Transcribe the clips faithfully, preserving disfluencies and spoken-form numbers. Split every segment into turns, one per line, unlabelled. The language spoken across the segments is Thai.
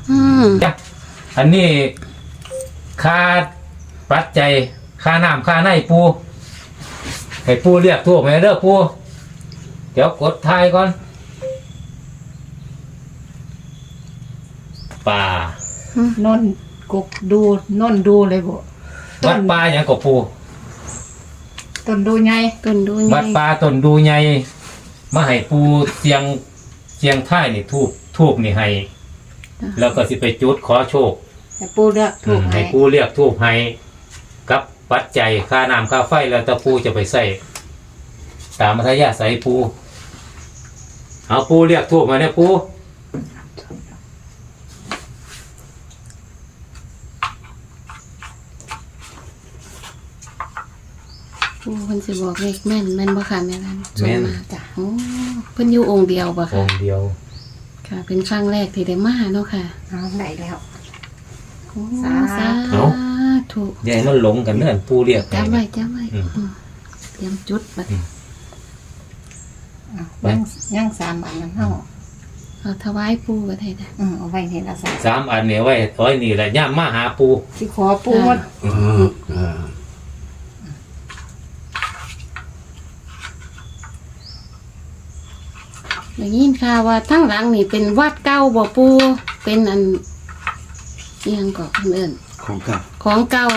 อืม
อันนี้ค่าปัจจัยค่าน้ำค่าในปูให้ปูเรียกทั่วไปเด้อปูเดี๋ยวกดทายก่อนป่าน
นกกดูนนดูเลยบ่
วัดป่าอย่างกับปู
ต้นดูไง
ต้นดู
วัดป่าต้นดูใหญ่มาให้ปูเสียงเสียงท้ายนี่ทูบทูบนี่ให้แล้วก็สิไปจุดขอโชค
ให้ปูเลือกถูก
ให้ปูเรียกทูบให้กับปัจจัยค่าน้ำค่าไฟแล้วแต่ปูจะไปใส่ตามมัธยาศัยปูเอาปูเรียกทูบมาเนี่ยปู
ปูเพิ่นสิบอกเลขแม่นแม่นบ่ค่ะแม่นั้นส่งมาจ้ะโอ้เพิ่นอยู่องค์เดียวบ่
อ
ค่ะ
งค์เดียว
ค่ะ เป็นครั้งแรกที่ได้มาเนาะค่ะ
เอาได้แล้ว
โอ้
สา
สาธุ
อย่าให้มันหลงกันเนื่อนปูเรียก
จำไว้จำไว้
อืม
อืมเตรียมจุดบัด
ยังยังสามอันนั้นเฮา
เอาถวายปูก็ได้จ้ะ
อืมเอาไว้นี่ละสาม
สามอันเนี่ยไว้ไว้นี่แหละย่ามมาหาปู
สิขอปูหมด
อืมอ่า
ได้ยินข่าวว่าทั้งหลังนี่เป็นวัดเก่าบ่ปูเป็นอันเอียงก็เพิ่นเอิ้น
ของเก่า
ของเก่า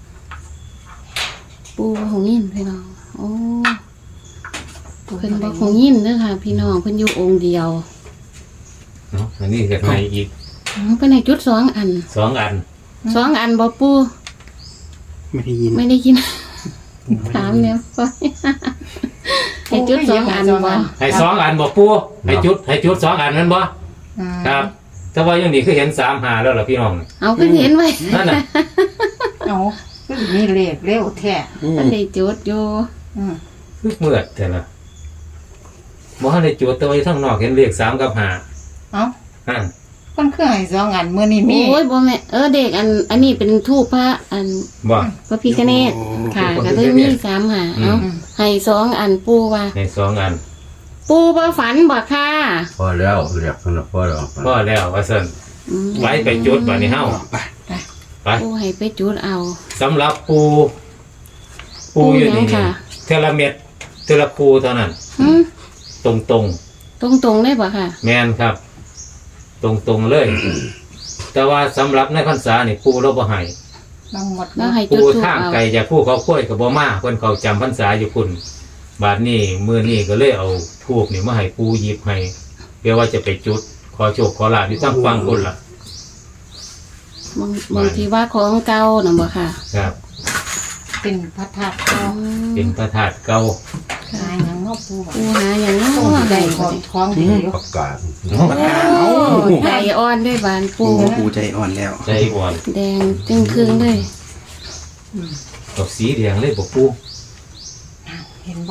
ปูบ่คงยินพี่น้องโอ้เพิ่นบ่คงยินเด้อค่ะ พี่น้องเพิ่นอยู่องค์เดียว
เนาะอันนี้ก็ให้อีก
อ๋อเพิ่นให้จุดสองอัน
สองอัน
สองอันบ่ปู
ไม่ได้ยิน
ไม่ได้ยิน ถามแล้วไปให้จุดสองอันบ่
ให้สองอันบอกปูให้จุดให้จุดสองอันนั่นบ่
อืม
ครับแต่ว่าอย่างนี้คือเห็นสามหาแล้วล่ะพี่น้อง
เอาขึ้นเห็นไว้
นั่นน่ะ
เอาคือมีเลขเร็วแท้
อืม
มันได้จุดอยู่
อืม
คือเมื่อแต่ละบ่ทันได้จุดแต่ว่าอยู่ทางนอกเห็นเลขสามกับห้า
เอา
นั่น
คนคือให้สองอันมื้อนี้มี
โอ้ยบ่แม่เออเด็กอัน อันนี้เป็นทูปพระอัน
บ่
พระพิฆเนศค่ะ
พระ
ก็
พิ
เล
ฆ
ย
เน
มี
ศ
สามหา
อืม
เอาให้สองอันปูว่า
ให้สองอัน
ปูบ่ฝันบ่ค่ะ
พอแล้วเรียกกันแล้วพอแล้ว
พอแล้วว่าซั่น
อืม
ไว้ไปจุดบัดนี้เฮา
ไป
ไป
ปูให้ไปจุดเอา
สำหรับปูปู
ปู
อยู่
หยั
นี่
งค่ะ
เทละเม็ดเทละปูเท่านั้น
หืม
ตรงตรง
ตรงๆได้บ่ค่ะ
ๆแมนครับ ตรงตรงๆเลย แต่ว่าสำหรับในพรรษานี่ปูเราบ่ให้
ทั้งหมด
แล้วให้
ปู
จุดทูป
ทาง
เอา
ไกลจากผู้เขาค่อยกับบ่มาเพิ่นเขาจำพรรษาอยู่พุ่นบาดนี้มื้อนี้ก็เลยเอาทูบนี่มาให้ปูหยิบให้เพื่อว่าจะไปจุด ขอโชคขอลาภอยู่ทางฟังพุ่นล่ะ
บางบางทีว่าของเก่าน่ะบ่ค่ะ
ครับ
เป็นพระธาตุ
อืม
เป็นพระธาตุเก่า
หาหยังเนาะปู
ปูหาอย่างน้อ
ต้อง
ได้
ได้ข
บ่
อง
นี่
ของดีอยู่
ประกาศ
โอ้ใจอ่อนด้วยบานปู
โอ้ปูใจอ่อนแล้ว
ใจอ่อน
แดงจึงครึ่งเลย
ดอกสีแดงเลยบ่ปู
เห็นบ่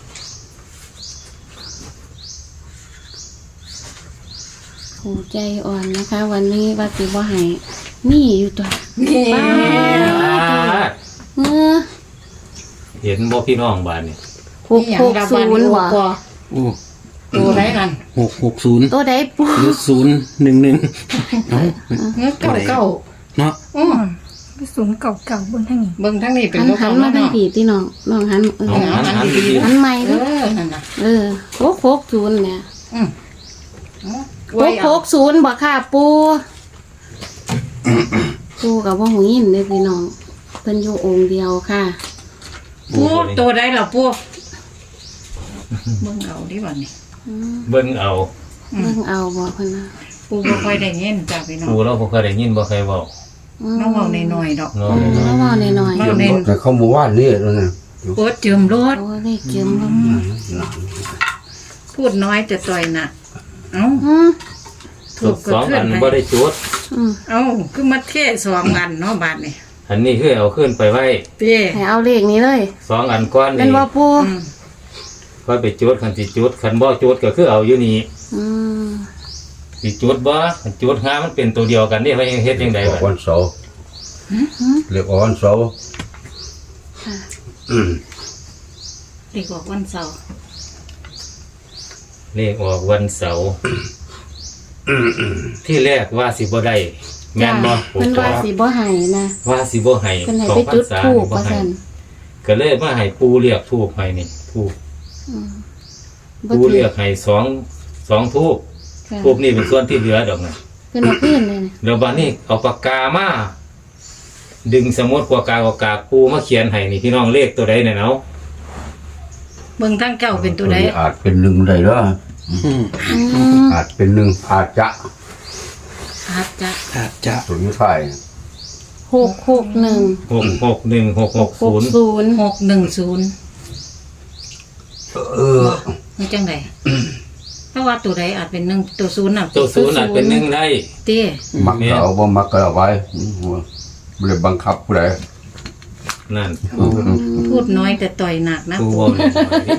ปูใจอ่อนนะคะ วันนี้ว่าสิบ่ให้มีอยู่ตัว
นี่
ป้าเออ
เห็นบ่พี่น้องบ้านนี่
หกหกศูนย์บ่
โอ้
ตัวไหนนั่น
หกหกศูนย์
ตัวใดปู
หรือศูนย์หนึ่งหนึ่งเอ้า
เงินเก่าเก่า
เนาะ
อืม
สูงเก่าๆบนทางนี้
เบิ่งทั้งนี้เป็น
หัน
ลูก
หั
ข
น
อง
มา
มัน
ทาง
เนาะ
ผีที่น้องน้องหันเออ
เอาหันหันดี
หันใหม่
เอ
เด้อ
อนั่นน่ะ
เออหกหกศูนย์เนี่ย
อืม
หกหกศูนย์บ่ค่ะปูปูกับว่าหูยินเลยพี่น้องเพิ่นอยู่องค์เดียวค่ะ
ปูตัวใดล่ะปูเบิ่งเอาดิบัดนี้
อืม
ๆเบิ่งเอา
เบิ่งเอาบ่เพิ่นนะ
ปูบ่ค่อยได้ยินจ้ะพี่น้อง
ปูเราบ่เคยได้ยินบ่เคยเว้า
อืม
น้องเว้าน้อยๆดอก
เนาะ
อืมแล้วเว้าหน่อย
เว้าเน้น
แต่เขาบอกว่านี่แล้วนะ
โคตรเจิมร
ๆ
ถ
โอ้เลขเจิมบ่
พูดน้อยแต่ต่อยหนักเอ้า
อืม
ถูกสองอันบ่ได้จุด
อืม
เอ้าคือมาเทสองอันเนาะบาดนี่
อันนี้คือเอาขึ้นไปไว้
เต้
ให้เอาเลขนี้เลย
สองอันก้อน
เป็น
นี่
บ่ปู
อืม
ค่อยไปจุดคันสิจุดคันบ่จุดก็คือเอาอยู่นี่
อืม
สิจุดบ่คันจุดหามันเป็นตัวเดียวกันนี่ว่าเฮ็ดจังได๋
ออก
บั
วั
ด
นเสาร์เรียกออกวันเสาร์
ค่ะ
อืม
เด็กบอกวันเสาร์
เลขออกวันเสาร์ที่แรกว่าสิบ่ได้แม่นบ่
จ้ะเพิ่นว่าสิบ่ให้นะ
ว่าสิบ่ให้
เพิ่นให้
สอ
ไป
งพร
จุ
ร
ด
ษา
ธูป
นี่บ่
ว่า
ให้
ซั่น
ก็เลยมาให้ปูเรียกทูบให้นี่ทูบ
อืม
ปูเรียกให้สองสองทูบ
ค่ะ
ทูบนี่เป็นส่วนที่เหลือดอกนะ
เพิ่นเอาขึ้นเลยนะ
แล้วบัดนี้เอาปากกามาดึงสมุดปากกาปากกาปูมาเขียนให้นี่พี่น้องเลขตัวใดเนี่ยเนาะ
เบิ่งทั้งเก้าเป็นตัวใด
อาจเป็นหนึ่งได้เด้อ
อืม
อาจเป็นหนึ่งอาจจะ
อาจจะ
อาจจะ
ตัวนี้ใช่
หกหกหนึ่ง
หกหกหนึ่งหกหก
ห
ศู
ก
นย์
ศูนย์
หกหนึ่งศูนย์
เออ
นี่จังไดเพราะว่าตัวใดอาจเป็นหนึ่งตัวศูนย์น่ะ
ตัวศูนย์อาจเป็นหนึ่งได้
เต้
มักก็เอาบ่มักก็เอาไว้บ่ได้บังคับผู้ใด
นั่น
พูดน้อยแต่ต่อยหนักนะ
ปู
ปู่
ว่าแม่นบ่ดิ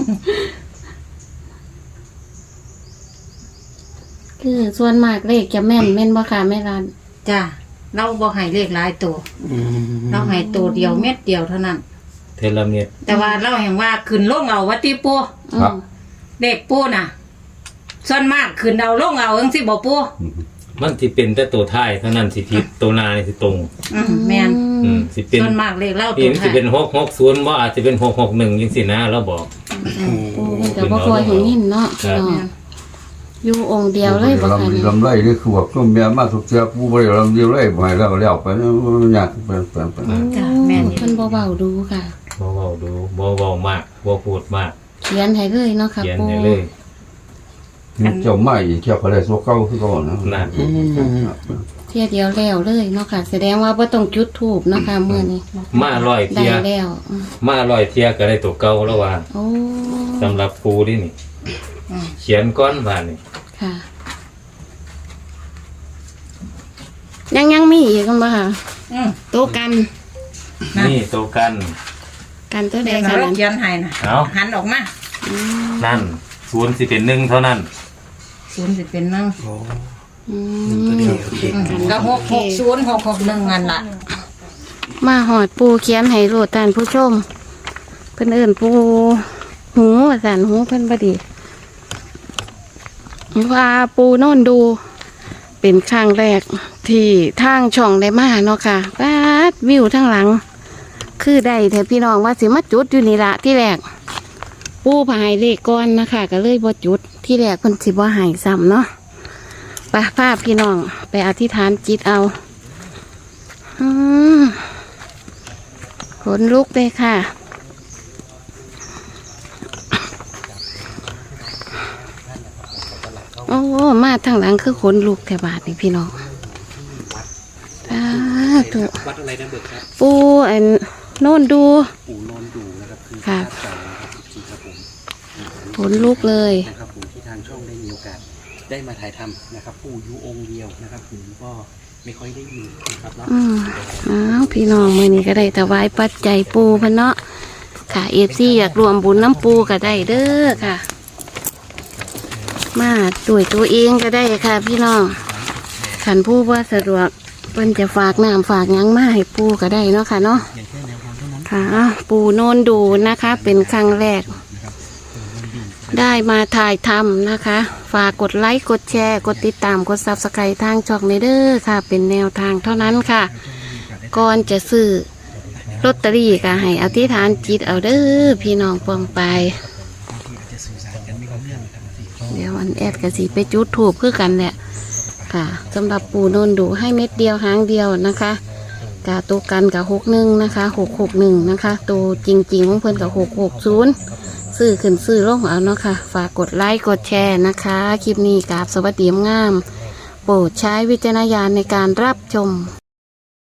คือส่วนมากเลขจะแม่นแม่นบ่ค่ะแม่รัน
จ้าเราบ่ให้เลขหลายตัว
อืม
เราให้ตัวเดียวเม็ดเดียวเท่านั้น
เทเลเมียด
แต่ว่าเราเห็นว่าขึ้นลงเอาวัติปู
อืม
เด็กปูน่ะ ส่วนมากขึ้นเอาลงเอาจังสิบ่ปู
มันสิเป็นแต่ตัวท้ายเท่านั้นสิผิดตัวหนานี่สิตรง
อืมแม่น
อืมสิเป็น
ส่วนมากเลขเล่า
นี่
ตัว
มัน
ไท
สิ
ย
เป็นหกหกศูนย์ว่าอาจจะเป็นหกหกหนึ่งยังสินะเราบอก
โอ้แต่บ่ค่อยเห็นหินเนาะ
ครับ
เนาะอยู่องค์เดียวเลยบ่ค่ะ
ลำ
นี่
ลำไรนี่คือว่าก็แม่มาทุกเทื่อผู้บ่ได้ลำเดียวเลยบ่ให้แล้วแล้วไปมันยากไปไปไป
จ้ะแม่น
เพิ่นบ่เว้าดูค่ะ
บ่เว้าดูบ่เว้ามากบ่พูดมาก
เขียนให้เลยเนาะค่ะ
เขียน
ปู่
ให้เลย
นี่เจ้ามาอีกเจ้าก็ได้สวเก่าคือเก่านะ
นั่น
อืม
เที่ยเดียวแล้วเลยเนาะค่ะ แสดงว่าบ่ต้องจุดธูปเนาะค่ะมื้อนี้
มาร้อย
ได้
เทีย
แล้วอืม
มาร้อยเทียก็ได้ตัวเก่าแล้วว่า
โอ้
สำหรับปูนี่นี่
อืม
เขียนก้อนบานนี่
ค่ะ ยังยังมีอีกกันบ่ค่ะ
อืม
โต๊ะกัน
นั่น
นี่ตัวกัน
กันตัวใด
เด็ก
ค่ะ
เรา
นั้น
เขียนให้น่ะ
เอา
หันออกมา
อืม
นั่นศูนย์สิเป็นหนึ่งเท่านั้น
ศูนย์สิเป็นหนึ่ง
โอ้
อื
ตัว
ม
เดียวโอเค
อืมก็หกหกศูนย์หกหกหนึ่งอันละ
มาหอดปูเขียนให้โลดท่านผู้ชม เพิ่นเอิ้นปูหูว่าซั่นหูเพิ่นบ่ดีว่าปูโน่นดู เป็นครั้งแรกที่ทางช่องได้มาเนาะค่ะปาดวิวทั้งหลัง คือได้แต่พี่น้องว่าสิมาจุดอยู่นี่ละที่แรก ปูพายเลขก้อนนะคะก็เลยบ่จุดที่แรกเพิ่นสิบ่ใหายซ้ำเนาะไปภาพพี่น้องไปอธิษฐานจิตเอาอืมขนลุกเลยค่ะ โอ้มาทางหลังคือขนลุกแถวบาทนี่พี่น้องสาธุ
วัดอะไรนะเบิกครับ
ปูอันโน่นดู
ปู่นอนดูนะครับคือ
ค่ะ
ภาพเก่านะครับจริงๆครับผม
ขนลุกเลย
นะครับผมที่ทางช่องได้มีโอกาสได้มาถ่ายทำนะครับปู่อยู่องค์เดียวนะครับผมก็ไม่ค่อยได้ยินนะครับเนาะ
อืมอ้าวพี่น้องมือนี้ก็ได้ถวายปัจจัยปูพะเนาะค่ะเอฟซีอยากรวมบุญน้ำปูก็ได้เด้อค่ะ มาด้วยตัวเองก็ได้ค่ะ พี่น้องขันผู้ว่าสะดวกเพิ่นจะฝากน้ำฝากหยังมาให้ปูก็ได้เนาะค่ะเนาะ
อย่างแค่แนวทางเท่านั้น
ค่ะอ้าวปูโนนดูนะคะ เป็นครั้งแรก ได้มาถ่ายทำนะคะ ฝากกดไลค์กดแชร์กดติดตามกดซับสไครต์ทางช่องในเด้อค่ะ เป็นแนวทางเท่านั้นค่ะ ก่อนจะซื้อลอตเตอรี่ก็ให้อธิษฐานจิตเอาเด้อพี่น้องปองไป
จะสื่อสารกันไม่รู้เรื่องนะครับ
เดี๋ยวอันแอดกะสีไปจุดถูกคือกันแหละค่ะสำหรับปูโนนดูให้เม็ดเดียวหางเดียวนะคะกาตัวกันกับหกหนึ่งนะคะหกหกหนึ่งนะคะตัวจริงๆของเพื่อนกับหกหกศูนย์ซื้อขึ้นซื้อลงเอาเนาะค่ะฝากกดไลค์กดแชร์นะคะคลิปนี้กราบสวัสดีงามโปรดใช้วิจารณญาณในการรับชม